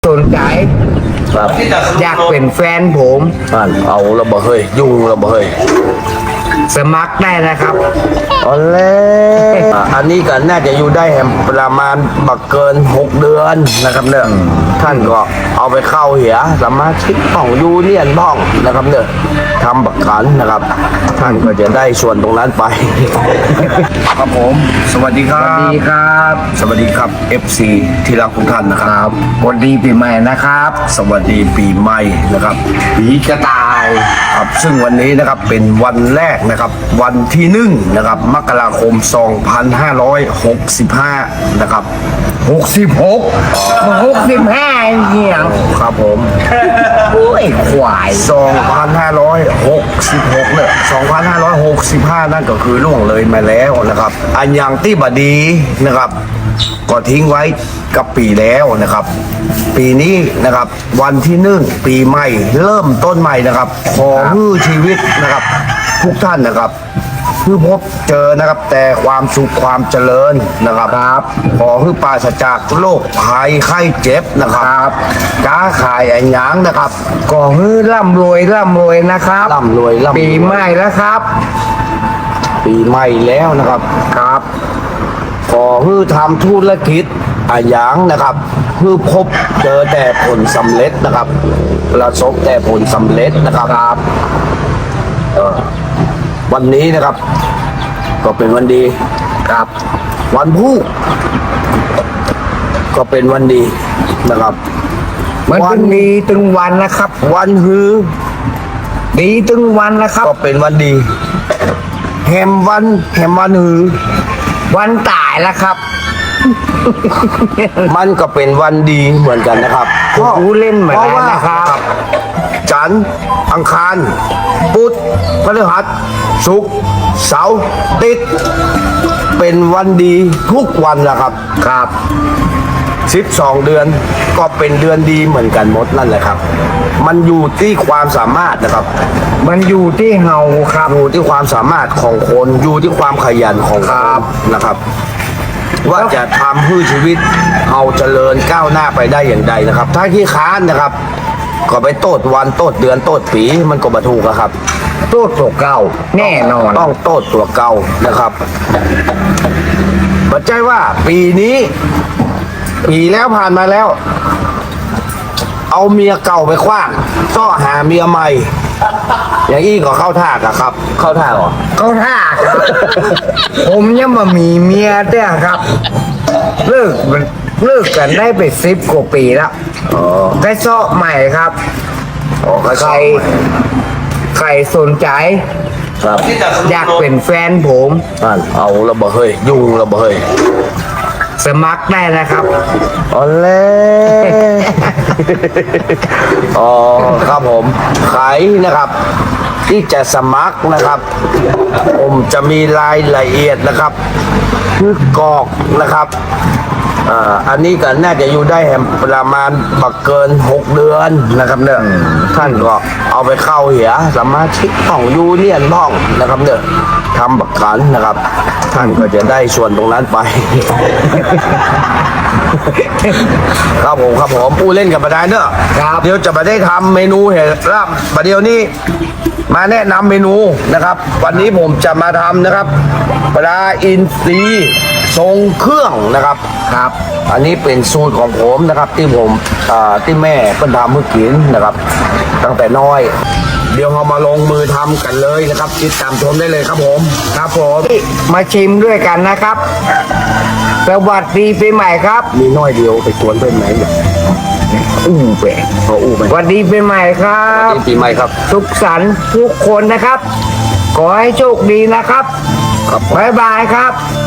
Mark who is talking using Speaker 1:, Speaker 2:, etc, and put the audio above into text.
Speaker 1: สนใจ
Speaker 2: ครับ
Speaker 1: อยากเป็นแฟนผม
Speaker 2: เอาระเบิดเฮ้ยยุ่งระเบิดเฮ้ย
Speaker 1: สมัครได้นะครับ
Speaker 2: เอาแล้วอันนี้ก็น่าจะอยู่ได้แฮมประมาณบักเกิน6 เดือนนะครับเนี่ยท่านก็เอาไปเข้าเหียสามารถชิดห้องยูเนียนบ้องนะครับเนี่ยทำบักขันนะครับ ท่านก็จะได้ส่วนตรงนั้นไป ครับผมสวัสดีค
Speaker 1: ส
Speaker 2: รั
Speaker 1: วัส
Speaker 2: บ
Speaker 1: ดีครับ
Speaker 2: สวัสดีครับ FC ที่รักทุกท่านนะครับ
Speaker 1: สวัสดีปีใหม่นะครับ
Speaker 2: สวัสดีปีใหม่นะครับ
Speaker 1: ปีกระต่าย
Speaker 2: ครับซึ่งวันนี้นะครับเป็นวันแรกนะครับวันที่1นะครับมกราคม 2565 นะครับ
Speaker 1: 65เหี้ยง
Speaker 2: ครับผม
Speaker 1: โอ้ยควาย
Speaker 2: 2566เนี่ย2565 นั่นก็คือล่วงเลยมาแล้วนะครับ อันยังที่บดีนะครับ ก็ทิ้งไว้กับปีแล้วนะครับ ปีนี้นะครับวันที่ปีใหม่เริ่มต้นใหม่นะครับ ขอให้ชีวิตนะครับทุกท่านนะครับเพื่อพบเจอนะครับแต่ความสุขความเจริญนะครับขอให้ปราศจากโรคภัยไข้เจ็บนะครับค้าขายอันหยังนะครับ
Speaker 1: ก็ฮือร่ำรวยนะครับ
Speaker 2: ร่ำรวย
Speaker 1: ปีใหม่แล้วครับ
Speaker 2: ปีใหม่แล้วนะครับ
Speaker 1: ครับ
Speaker 2: ขอให้ทำธุรกิจอันหยังนะครับเพื่อพบเจอแต่ผลสำเร็จนะครับประสบแต่ผลสำเร็จนะครับวันนี้นะครับ ก็เป็นวันดีครับ วันพุธก็เป็นวันดีนะครับ
Speaker 1: มันถึงดีถึงวันนะครับ
Speaker 2: วันฮือ
Speaker 1: ดีถึงวันนะครับ
Speaker 2: ก็เป็นวันดีแฮมวันฮือ
Speaker 1: วันตายแล้วครับ
Speaker 2: มันก็เป็นวันดีเหมือนกันนะครับ
Speaker 1: ผู้เล่นเหมือนกันนะครับ
Speaker 2: จันทร์อังคารพุธพฤหัสศุกร์เสาร์ติดเป็นวันดีทุกวันแหละครับครับ12 เดือนก็เป็นเดือนดีเหมือนกันหมดนั่นแหละครับ มันอยู่ที่ความสามารถนะครับ
Speaker 1: มันอยู่ที่เฮาครับ
Speaker 2: อยู่ที่ความสามารถของคนอยู่ที่ความขยันของคนนะครับ ว่าจะทำให้ชีวิตเอาเจริญก้าวหน้าไปได้อย่างใดนะครับ ถ้าขี้ค้านนะครับ ก็ไปโตดวันโตดเดือนโตดปีมันก็บรรทุกอะครับ
Speaker 1: โต๊ะตัวเก่าแน่นอน
Speaker 2: ต้องโตดตัวเก่านะครับปัจจัยว่าปีนี้ปีแล้วผ่านมาแล้ว เอาเมียเก่าไปคว้างก็หาเมียใหม่ อย่างอี้ก็เข้าท่าอะครับ เข้าท่าเหรอ
Speaker 1: เขาท่าครับ ผมยังมามีเมียเด้อครับ เลิกกันได้ไป10 กว่าปีแล้ว
Speaker 2: อ๋อ
Speaker 1: ได้เซาะใหม่ครับ
Speaker 2: อ๋อก็
Speaker 1: ใคร ใครสนใจ
Speaker 2: ครับ
Speaker 1: อยากเป็นแฟนผม
Speaker 2: เอาระเบิดเฮ้ยยุ่งระเบิดเฮ้ย
Speaker 1: สมัครได้นะครับ
Speaker 2: เอาแล้วอ๋อครับผมใครนะครับ ที่จะสมัครนะครับ ผมจะมีรายละเอียดนะครับคือกรอกนะครับอันนี้ก็น่าจะอยู่ได้แฮมประมาณบักเกิน6 เดือนนะครับเนี่ยท่านก็เอาไปเข้าเหียสามารถชิดห้องยูเนียนบ้องนะครับเนี่ยทำบักขันนะครับ ท่านก็จะได้ส่วนตรงนั้นไป ครับผมผู้เล่นกับประดานเนอะ
Speaker 1: ครับ
Speaker 2: เดี๋ยวจะมาได้ทำเมนูเห็ดลาบประเดี๋ยวนี้มาแนะนำเมนูนะครับ วันนี้ผมจะมาทำนะครับปลาอินทรีทรงเครื่องนะครับครับ อันนี้เป็นสูตรของผมนะครับ ที่ผมที่แม่เพิ่นทำเมื่อกินนะครับ ตั้งแต่น้อย เดี๋ยวเรามาลงมือทำกันเลยนะครับติดตามชมได้เลยครับผมครับผม
Speaker 1: มาชิมด้วยกันนะครับ สวัสดีปีใหม่ครับ
Speaker 2: มีน้อยเดียวไปสวนเพื่อนไหมเนี่ย
Speaker 1: อู้แปะ
Speaker 2: เขาอู้ไหม
Speaker 1: สวัสดีปีใหม่ครับ
Speaker 2: ปีใหม่ครับ
Speaker 1: สุขสันต์ทุกคนนะครับ ขอให้โชคดีนะครับ
Speaker 2: ครับ
Speaker 1: บ๊ายบายครับ